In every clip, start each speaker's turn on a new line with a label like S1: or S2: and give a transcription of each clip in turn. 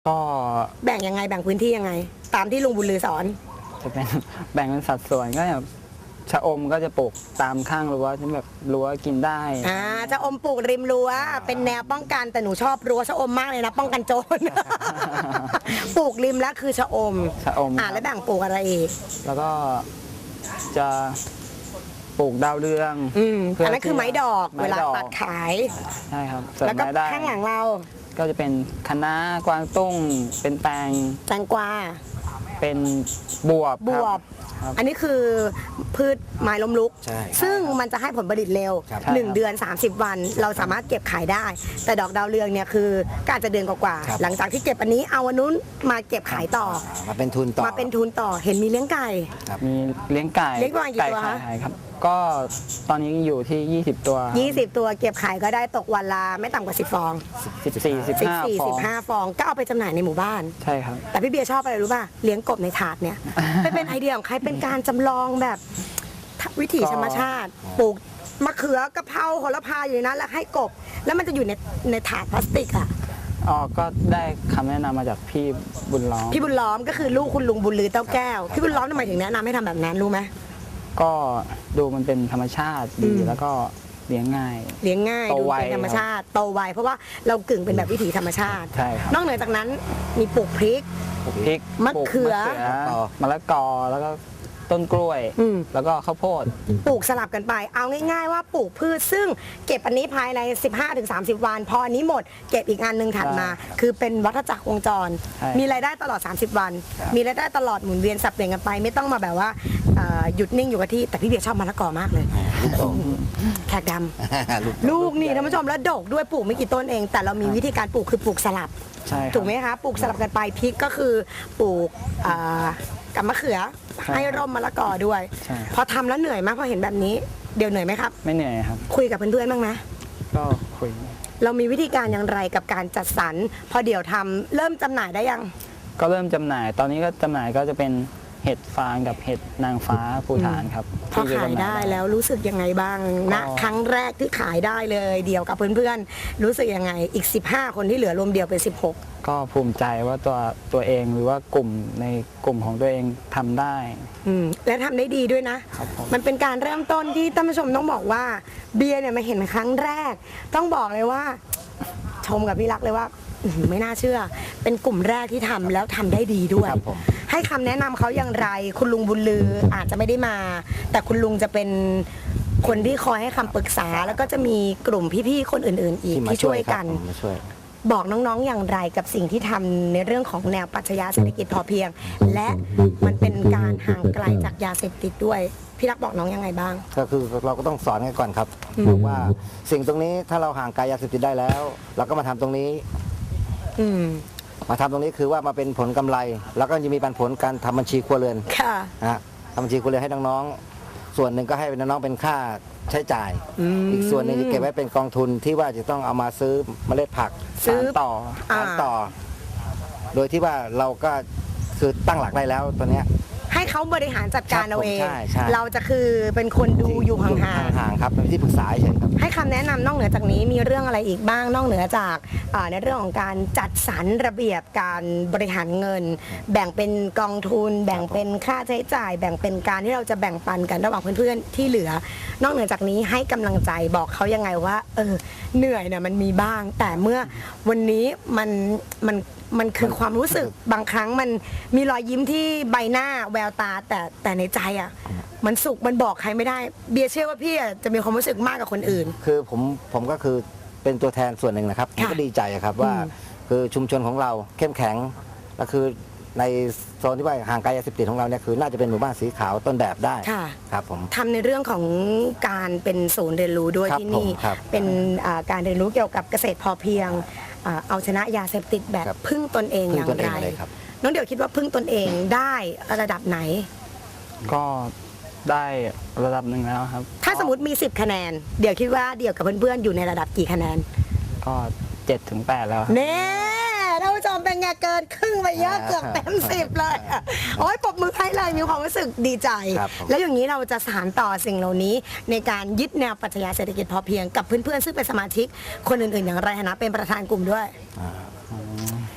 S1: ก็
S2: แบ่งยังไงแบ่งพื้นที่ยังไง ตามที่ลุงบุญลือสอน
S1: จะเป็น แบ่งเป็นสัดส่วนก็แบบชะอมก็จะปลูกตามข้างรั้วที่แบบรั้วกินได้
S2: จะอมปลูกริมรั้วเป็นแนวป้องกันแต่หนูชอบรั้วชะอมมากเลยนะป้องกันโจร ปลูกริมแล้วคือชะอม
S1: ชะอม
S2: แล้วแบ่งปลูกอะไรอีก
S1: แล้วก็จะปลูกดาวเรือง
S2: อันนั้นคือไม้ดอก
S1: ไม้
S2: เวลา
S1: ดอก
S2: ตัดขาย
S1: ใช่ครับเสริม
S2: แล้วก็
S1: รายได้
S2: ข้างหลังเรา
S1: ก็จะเป็นคะน้ากวางตุ้งเป็นแตง
S2: แตงกวา
S1: เป็นบวบครับ ครับ
S2: อันนี้คือพืชไม้ล้มลุก
S3: ใช่
S2: ซึ่งมันจะให้ผลผลิตเร็ว
S3: ครับ
S2: 1 เดือน 30 วัน เราสามารถเก็บขายได้ แต่ดอกดาวเรืองเนี่ยคือก็อาจจะเดือนกว่า
S3: ครับ
S2: ๆหลังจากที่เก็บอันนี้เอาอันนู้นมาเก็บขายต่อ
S3: มาเป็นทุนต่อ
S2: มาเป็นทุนต่อเห็นมีเลี้ยงไก่
S1: มีเลี้ยงไก่
S2: เลี้ยงประมาณกี่ตัวคะ
S1: ไข่ครับ ก็ตอนนี้อยู่ที่ 20 ตัว
S2: 20 ตัวเก็บขายก็ได้ตกวันละไม่ต่ำกว่า10 ฟอง
S1: 14 15 ฟอง
S2: 15 ฟองก็เอาไปจำหน่ายในหมู่บ้าน
S1: ใช่ครับ
S2: แต่พี่เบียร์ชอบอะไรรู้ป่ะเลี้ยงกบในถาดเนี่ย เป็นไอเดียของใครเป็นการจำลองแบบวิถีธรรมชาติปลูกมะเขือกะเพราโหระพาอยู่ในนั้นแล้วให้กบ แล้วมันจะอยู่ในถาดพลาสติกอ่ะ
S1: อ๋อ ก็ได้คำแนะนำมาจากพี่บุญล้อม
S2: พี่บุญล้อมก็คือลูกคุณลุงบุญลือเต้าแก้วพี่บุญล้อมทำไมถึงแนะนำให้ทำแบบนั้นรู้ไหม
S1: ก็ดูมันเป็นธรรมชาติดี แล้วก็เลี้ยงง่าย
S2: เลี้ยงง่าย
S1: โต
S2: ดู
S1: ไว
S2: เป็นธรรมชาติโตไวเพราะว่าเรากึ่งเป็นแบบวิถีธรรมชาติ
S1: ใช่ครับ
S2: นอกเหนือจากนั้นมีปลูกพริก
S1: ปลูกพริก
S2: มะเขือ
S1: ปลูกมะละกอ แล้วก็ต้นกล้วย แล้วก็ข้าวโพด
S2: ปลูกสลับกันไป เอาง่ายๆว่าปลูกพืชซึ่งเก็บอันนี้ภายใน 15-30 วัน พออันนี้หมดเก็บอีกงานหนึ่งถัดมา คือเป็นวัฏจักรวงจร
S1: ใช่
S2: มีรายได้ตลอด 30 วัน มีรายได้ตลอดหมุนเวียนสับเปลี่ยนกันไป ไม่ต้องมาแบบว่าหยุดนิ่งอยู่กับที่ แต่พี่เบียร์ชอบมะละกอมากเลย แขกดำ ลูกนี่ท่านผู้ชมแล้วดกด้วยปลูกไม่กี่ต้นเอง แต่เรามีวิธีการปลูกคือปลูกสลับ
S1: ใช่ครับ
S2: ถูกไหมคะปลูกสลับกันไปพริกก็คือปลูกกับมะเขือ
S1: ใช่
S2: ให้ร่มมะละกอด้วย
S1: ใช่
S2: พอทำแล้วเหนื่อยไหมพอเห็นแบบนี้เดี๋ยวเหนื่อยไหมครับ
S1: ไม่เหนื่อยครับ
S2: คุยกับเพื่อนๆบ้างไหม
S1: ก็คุย
S2: เรามีวิธีการอย่างไรกับการจัดสรรพอเดี๋ยวทำเริ่มจำหน่ายได้ยัง
S1: ก็เริ่มจำหน่าย ตอนนี้ก็จำหน่ายก็จะเป็นเห็ดฟางกับเห็ดนางฟ้าภูฐานครับ
S2: พอ
S1: ที่จะ
S2: ขาย
S1: จำหน่
S2: ได้แล้วรู้สึกยังไงบ้างณ
S1: ก็
S2: ครั้งแรกที่ขายได้เลยเดียวกับเพื่อนๆรู้สึกยังไงอีก 15 คนที่เหลือรวมเดียวเป็น 16
S1: ก็ภูมิใจว่าตัวเองหรือว่ากลุ่มในกลุ่มของตัวเองทำได้
S2: และทำได้ดีด้วยนะ
S1: ครับผม
S2: มันเป็นการเริ่มต้นที่ท่านผู้ชมต้องบอกว่าเบียร์เนี่ยมาเห็นครั้งแรก ต้องบอกเลยว่า ชมกับพี่รักเลยว่าไม่น่าเชื่อ เป็นกลุ่มแรกที่ทำแล้วทำได้ดีด้วย
S3: ครับผม
S2: ให้คำแนะนำเขาอย่างไร คุณลุงบุญลืออาจจะไม่ได้มา แต่คุณลุงจะเป็นคนที่คอยให้คำปรึกษา แล้วก็จะมีกลุ่มพี่ๆคนอื่นๆ อีก
S3: ที่มา
S2: ที่
S3: ช่
S2: ช่
S3: ว
S2: วย ย
S3: ครั
S2: กับ น
S3: ผมมาช่วย
S2: บอกน้องๆอย่างไรกับสิ่งที่ทำในเรื่องของแนวปรัชญาเศรษฐกิจพอเพียง และมันเป็นการห่างไกลจากยาเสพติดด้วย พี่รักบอกน้องยังไงบ้าง
S3: ก็คือเราก็ต้องสอนกันก่อนครับบอกว่าสิ่งตรงนี้ถ้าเราห่างไกลยาเสพติดได้แล้ว เราก็มาทำตรงนี้
S2: อืม
S3: มาทำตรงนี้คือว่ามาเป็นผลกำไร แล้วก็จะมีปันผลการทำบัญชีครัวเรือน
S2: ค่ะ
S3: นะฮะทำบัญชีครัวเรือนให้น้องๆส่วนหนึ่งก็ให้น้องๆเป็นค่าใช้จ่าย อีกส่วนหนึ่งจะเก็บไว้เป็นกองทุนที่ว่าจะต้องเอามาซื้อเมล็ดผัก
S2: ซื้อ
S1: สานต่อ
S2: อ่า
S3: สานต่อ โดยที่ว่าเราก็คือตั้งหลักได้แล้วตอนเนี้ย
S2: ให้เขาบริหารจัดการเอาเอง
S3: ใช่ใช่
S2: เราจะคือเป็นคนดูอยู่ห่าง
S3: ห่างๆครับเป็นที่ปรึกษาเฉยๆครับ
S2: ๆให้คำแนะนำนอกเหนือจากนี้มีเรื่องอะไรอีกบ้างนอกเหนือจากในเรื่องของการจัดสรรระเบียบการบริหารเงิน แบ่งเป็นกองทุน แบ่งเป็นค่าใช้จ่าย แบ่งเป็นการที่เราจะแบ่งปันกันระหว่างเพื่อนๆที่เหลือ นอกเหนือจากนี้ให้กำลังใจบอกเขายังไงว่าเหนื่อยเนี่ยมันมีบ้าง แต่เมื่อวันนี้มันคือความรู้สึกบางครั้งมันมีรอยยิ้มที่ใบหน้าแววตาแต่ในใจอ่ะมันสุขมันบอกใครไม่ได้เบียร์เชื่อว่าพี่อะจะมีความรู้สึกมากกว่าคนอื่น
S3: คือผมก็คือเป็นตัวแทนส่วนหนึ่งนะครับผมก็ดีใจอะครับว่าคือชุมชนของเราเข้มแข็งและคือในโซนที่ว่าห่างไกลยาเสพติดของเราเนี่ยคือน่าจะเป็นหมู่บ้านสีขาวต้นแบบได้
S2: ค่ะ
S3: ครับผม
S2: ทำในเรื่องของการเป็นศูนย์เรียนรู้ด้วย
S3: ครับ
S2: ที่นี่
S3: ผมครับ
S2: เป็นการเรียนรู้เกี่ยวกับเกษตรพอเพียงเอาชนะยาเสพติดแบบ
S3: ครับ
S2: พึ่งตนเอง
S3: พึ่
S2: อง ย่าง
S3: ตนเอ
S2: ไรง
S3: เลยครับ
S2: น้องเดี๋ยวคิดว่าพึ่งตนเองได้ระดับไหน
S1: ก็ได้ระดับหนึ่งแล้วครับ
S2: ถ้าสมมติมี 10 คะแนน เดี๋ยวคิดว่าเดี่ยวกับเพื่อนๆอยู่ในระดับกี่คะแนน
S1: ก็7 ถึง 8 แล้วครับ
S2: เน่ท่านผู้ชมเป็นไงเกินครึ่งไปเยอะเกือบเต็ม10เลยอะโอ้ยปรบมือให้เลยมีความรู้สึกดีใจ
S3: ครับผม
S2: แล้วอย่างนี้เราจะสานต่อสิ่งเหล่านี้ ในการยึดแนวปรัชญาเศรษฐกิจพอเพียงกับเพื่อนๆซึ่งเป็นสมาชิกคนอื่นๆอย่างไรนะเป็นประธานกลุ่มด้วย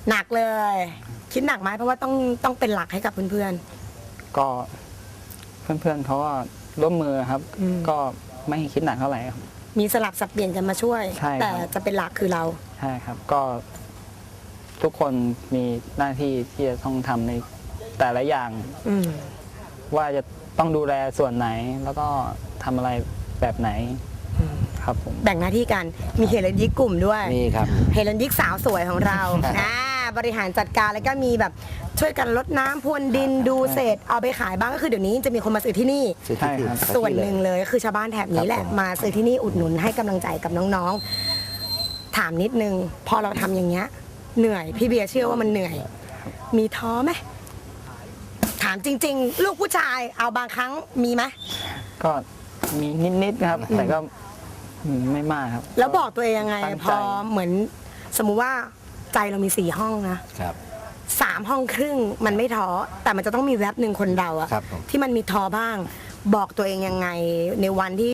S2: หนักเลย คิดหนักไหมเพราะว่าต้องเป็นหลักให้กับเพื่อน
S1: ก็เพื่อนๆเขาก็ร่วมมือครับ
S2: อืม
S1: ก็ไม่ให้คิดหนักเท่าไหร่ครับ
S2: ๆมีสลับสับเปลี่ยนกันมาช่วย
S1: ใช่ครับ
S2: แต่จะเป็นหลักคือเรา
S1: ใช่ครับ ก็ทุกคนมีหน้าที่ที่จะต้องทำในแต่ละอย่าง
S2: อืม
S1: ว่าจะต้องดูแลส่วนไหน แล้วก็ทำอะไรแบบไหนครับผม
S2: แบ่งหน้าที่กันมีเฮเลนยิกกลุ่มด้วย
S3: มีครับ
S2: เฮเลนยิกสาวสวยของเรา บริหารจัดการแล้วก็มีแบบช่วยกันรดน้ำพรวนดินดูเศษเอาไปขายบ้างก็คือเดี๋ยวนี้จะมีคนมาซื้อที่นี่
S3: ซื้อที่
S1: ใช่ครับ
S2: ส่วนหนึ่งเลยก็คือชาวบ้านแถบนี้แหละ
S3: ครับผม
S2: มาซื้อที่นี่อุดหนุนให้กำลังใจกับน้องๆ ถามนิดนึง พอเราทำอย่างเงี้ยเหนื่อยพี่เบียร์เชื่อว่ามันเหนื่อย มีท้อไหมถามจริง ๆ ลูกผู้ชายเอาบางครั้งมีไหม
S1: ก็มีนิดๆครับ แต่ก็ไม่มากครับ
S2: แล้วบอกตัวเองยังไง
S1: ตั้งใจ
S2: พอเหมือนสมมุติว่าใจเรามี4 ห้องนะ
S3: ครับ
S2: 3 ห้องครึ่งมันไม่ท้อแต่มันจะต้องมีแวบหนึ่งคนเราอะ
S3: ครับผม
S2: ที่มันมีท้อบ้าง บอกตัวเองยังไงในวันที่